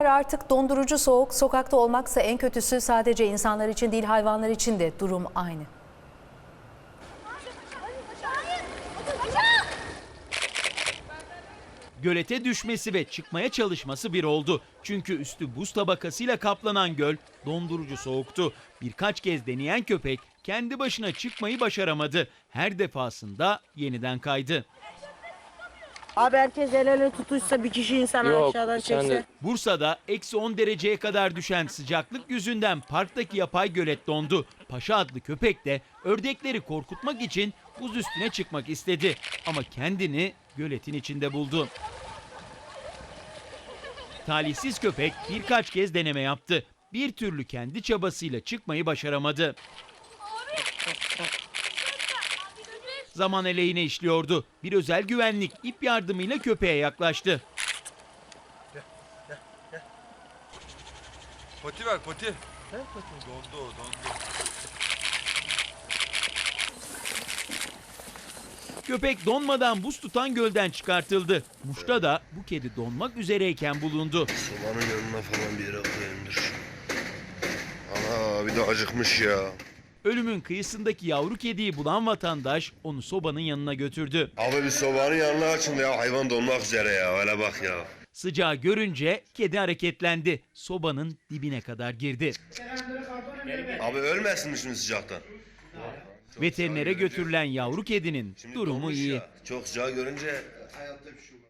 Artık dondurucu soğuk, sokakta olmaksa en kötüsü, sadece insanlar için değil hayvanlar için de durum aynı. Gölete düşmesi ve çıkmaya çalışması bir oldu. Çünkü üstü buz tabakasıyla kaplanan göl dondurucu soğuktu. Birkaç kez deneyen köpek kendi başına çıkmayı başaramadı. Her defasında yeniden kaydı. Abi herkes el ele tutuşsa, bir kişi insan aşağıdan çekse. Bursa'da -10 dereceye kadar düşen sıcaklık yüzünden parktaki yapay gölet dondu. Paşa adlı köpek de ördekleri korkutmak için buz üstüne çıkmak istedi. Ama kendini göletin içinde buldu. Talihsiz köpek birkaç kez deneme yaptı. Bir türlü kendi çabasıyla çıkmayı başaramadı. Zaman aleyhine işliyordu. Bir özel güvenlik ip yardımıyla köpeğe yaklaştı. Poti ver poti. Dondu o dondu. Köpek donmadan buz tutan gölden çıkartıldı. Muş'ta da bu kedi donmak üzereyken bulundu. Sobanın yanına falan bir yere koyayımdır. Ana bir de acıkmış ya. Ölümün kıyısındaki yavru kediyi bulan vatandaş onu sobanın yanına götürdü. Abi bir sobanın yanına açın ya, hayvan donmak üzere ya, öyle bak ya. Sıcağı görünce kedi hareketlendi. Sobanın dibine kadar girdi. Abi ölmesin mi şimdi sıcaktan? Veterinere götürülen yavru kedinin Şimdi durumu donmuş iyi. ya. Çok sıcağı görünce hayatta bir şey